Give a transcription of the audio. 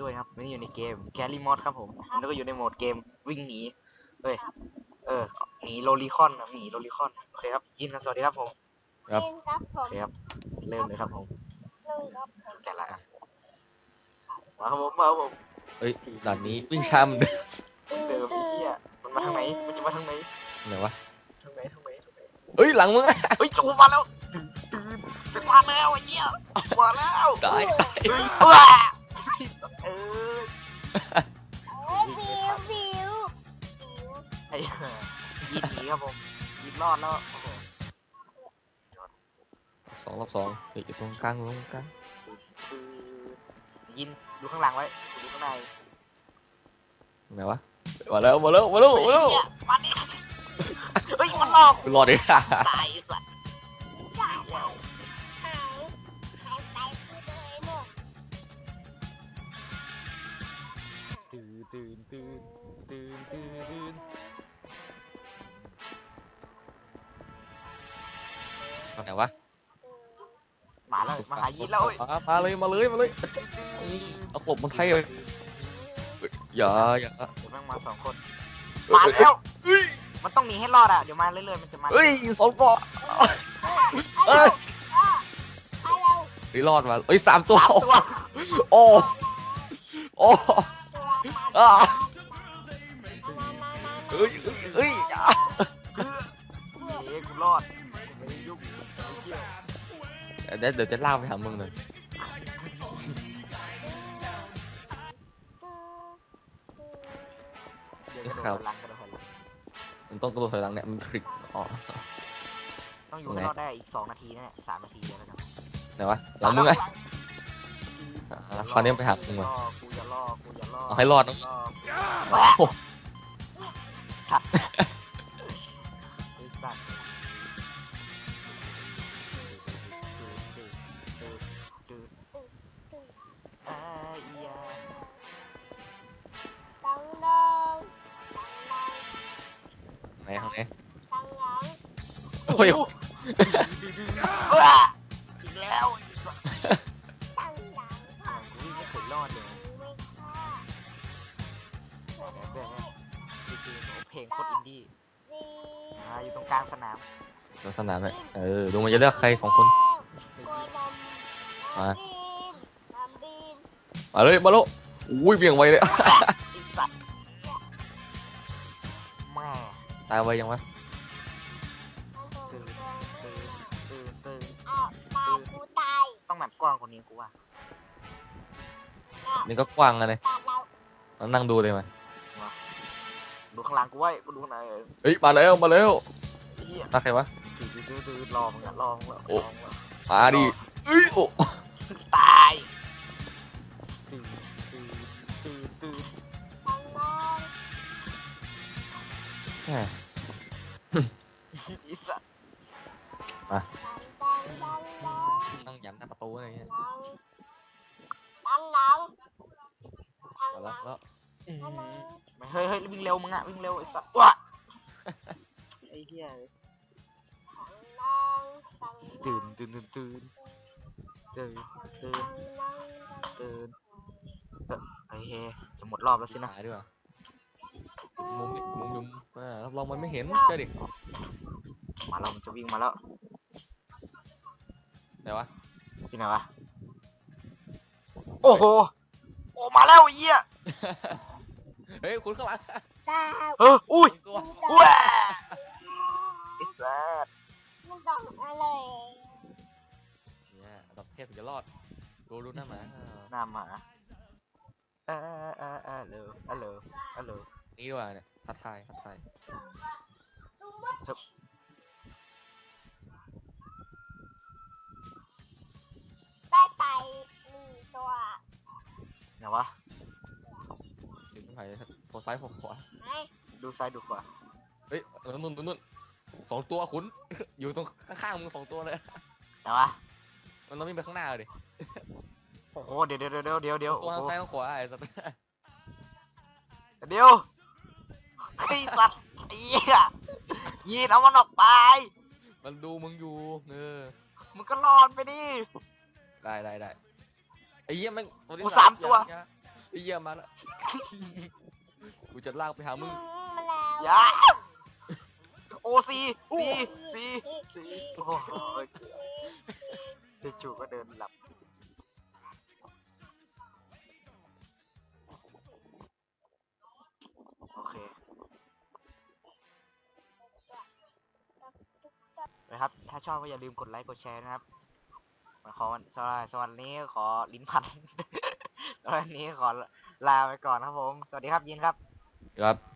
ด้วยครับไม่ได้อยู่ในเกมแคลรี่มอดครับผมแล้วก็อยู่ในโหมดเกมวิ่งหนีเฮ้ยหนีโลลิคอนนะหนีโลลิคอนโอเคครับยินกันสวัสดีครับผมครับโอเคครับเริ่มเลยครับผมแต่ละมาครับผมมาครับผมเอ้ยด่านนี้วิ่งช้าเหมือนเดิมเดิมไอ้เหี้ยมันมาทางไหนมันจะมาทางไหนไหนวะทางไหนเอ้ยหลังมึงอะเฮ้ยจูมาแล้วตื่นมาแล้วไอ้เหี้ยมาแล้วตายเฮ้ยว้าเออไอ้ยินหนีครับผมยินรอดแล้วโอ้โหรอบสองเฮ้ยอยู่ตรงกลางยินดูข้างหลังไว้ดูข้างในไหนวะมาแล้วเฮ้ยมาดิเฮ้ยมันหลอกรอดดิตายสัตว์ตื่นไหนวะมาแล้วมาหายินแล้วเอ้ยมาเลยเอากบมันไทยเลยอย่าเดี๋ยวแม่งมาสองคนมาแล้วมันต้องหนีให้รอดอ่ะเดี๋ยวมาเรื่อยๆมันจะมาเฮ้ยสองตัวเฮ้ยรอดมาเฮ้ย3 ตัวสามตัวโอ้อ่าเฮ้ยเฮ้ยกูรอดกูไม่ได้ยุ่งไม่เกี่ยวเดี๋ยวจะล่าไปหามึงเลยเดี๋ยวกระโดดหลังมันต้องกระโดดถอยหลังเนี่ยมันทริกอ๋อต้องอยู่ให้รอดได้อีก2 นาทีนะเนี่ย3 นาทีเดียวแล้วกันไหนวะหลังมึงไงคราวนี้ไปหามึงมากูจะล่อเอาให้รอดนะโอ้โหขัดไอ้สัตว์อ่าอียาไหนห้องไหนโอ้ยว้าอีกแล้วกูวิ่งไม่เคยรอดเลยเพลงโคตรอินดี้อยู่ตรงกลางสนามลักษณะแบบดูมันจะเลือกใคร2 คนมาเลยมาโลอุ้ยเบี่ยงไวเลยไอ้สัตว์แม่ตายไวยังวะตื่นต้องแบบกว้างกว่านี้กูว่านี่ก็กว้างเลยนั่งดูเลยมาดูข้างหลังกูไว้กูดูข้างในเฮ้ยมาแล้วเฮียตาใครวะรอมึงอะรอมึงมาดิเอ้ยโอ้ตายตื่นแหมอีสัตว์ต้องยันหน้าประตูอะไรเงี้ยมาแล้วเฮ้ยวิ่งเร็วมึงอะวิ่งเร็วไอ้สัตว์ว้าไอ้เหี้ยตื่นไอ้เฮจะหมดรอบแล้วสินะหายด้วยมุมรับรองมันไม่เห็นเจ้าดิมาแล้วมันจะวิ่งมาแล้วไหนวะที่ไหนวะโอ้โหโอ้มาแล้วไอ้เหี้ยเฮ้ยคุณข้างหลังอุ้ยตัวว้าไอ้สัตว์เนี่ยดับเทพถึงจะรอดดูหน้าหมาหน้าหมาฮัลโหลนี่ด้วยเนี่ยทัดทายได้ไป1 ตัวไหนวะสิงห์ไผ่โผล่ซ้ายโผล่ขวาดูซ้ายดูขวาเฮ้ยนู่น2 ตัวคุณ อยู่ตรงข้างๆมึง2 ตัวเลยไหนวะมันต้องวิ่งไปข้างหน้าเลยโอ้โหเดี๋ยวตัวทางซ้ายทางขวาไอ้สัตว์เดี๋ยวไอ้สัตว์ไอ้เหี้ยยีนเอามันออกไปมันดูมึงอยู่มึงก็รอดไปดิได้ไอ้เหี้ยมันกู3 ตัวไอ้เหี้ยมาแล้วกูจะลากไปหามึงมาแล้วยาโอซีซีโอ้โหจู่ๆก็เดินหลับโอเคนะครับ ถ้าชอบก็อย่าลืมกดไลค์กดแชร์นะครับขอสวัสดีขอลิ้นพัน วันนี้ขอลาไปก่อนครับผม สวัสดีครับยินครับครับ